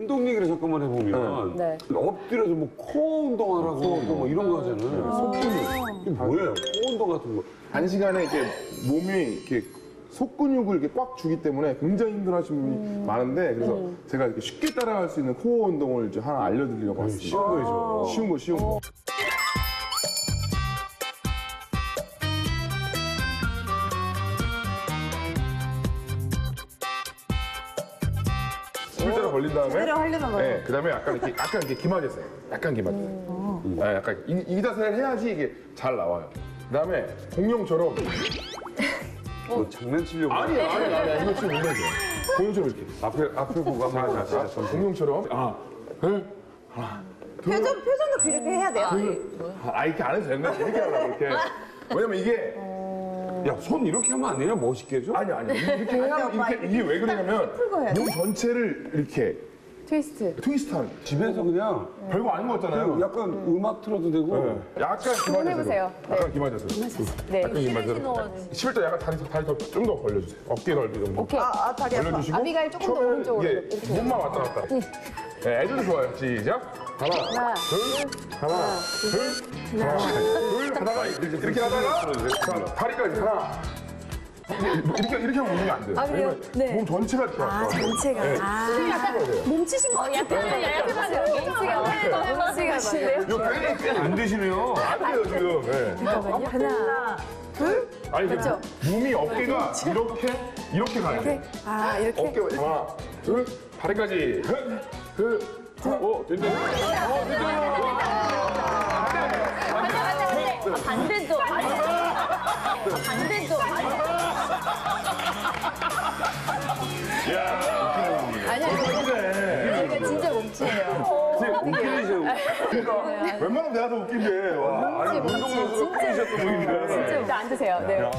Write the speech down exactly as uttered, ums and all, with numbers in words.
운동 얘기를 잠깐만 해보면 네. 엎드려서 뭐 코어 운동하라고 또 뭐 이런 거 하잖아요. 속근육. 이게 뭐예요? 코어 운동 같은 거. 단시간에 이렇게 몸이 이렇게 속근육을 이렇게 꽉 주기 때문에 굉장히 힘들어하시는 분이 많은데 그래서 제가 이렇게 쉽게 따라갈 수 있는 코어 운동을 이제 하나 알려드리려고 왔습니다. 쉬운 거죠. 쉬운 거, 쉬운 거. 일자로 벌린 다음에 제대로 하려나 봐요. 네, 그다음에 약간 이렇게 약간 이렇게 기마졌어요. 약간 기마졌어요. 네, 약간 이, 이 자세를 해야지 이게 잘 나와요. 그다음에 공룡처럼 뭐 장난치려고. 아니 아니 아니 아니 이거 지금 올려줘. 공룡처럼 이렇게 앞에, 앞에 보고 한번 하자. 아, 공룡처럼 아, 둘, 표정, 표정도 그렇게 해야 돼요. 아 이렇게 안 해도 되는데 이렇게 하려고 이렇게. 왜냐면 이게 야, 손 이렇게 하면 안 되냐? 멋있게 해줘? 아니 아니 이렇게 해야 이렇게 이게 왜 그러냐면 몸 전체를 이렇게 트위스트. 트위스트하는 집에서 그냥 별거 아닌 거 같잖아요. 약간 음악 틀어도 되고. 네. 약간 기마자세로. 해보세요. 약간 기마자세로. 네. 약간 기마자세로. 십일 도 약간 다리 다리 좀 더 벌려주세요. 어깨 넓이 정도. 오케이. 아, 아, 다리 아파. 벌려주시고. 아비가일 조금 더 처음에는 오른쪽으로. 이게 이렇게. 몸만 왔다 갔다. 네, 애들도 좋아요. 시작. 하나, 하나, 둘, 하나, 둘, 하나, 둘, 하다가 이렇게, 이렇게 하다가 자, 다리까지 하나. 이렇게 이렇게 하면 운동이 안 돼요. 아, 그래요? 왜냐면 네. 몸 전체가 이렇게 아, 왔다. 전체가. 네. 아. 힘줘야 돼요. 몸치신 것 같아요. 약간 몸치가 맞아요. 몸치가 맞아요. 이거 굉장히 꽤안 되시네요. 안 돼요 지금. 네. 하나, 둘. 아니 근데 맞죠? 몸이 어깨가 이렇게 이렇게 가야 돼. 아, 이렇게. 어깨 하나, 둘, 다리까지. 흐, 흐, 하나, 오, 됐네. 어, 됐네. 반대도 반대도 아니야, 이거 진짜 몸치예요. 그러니까 웬만하면 내가 더 웃긴데. 와, 아니 운동선수가 웃기셨던 분인데. 진짜 앉으세요. 네.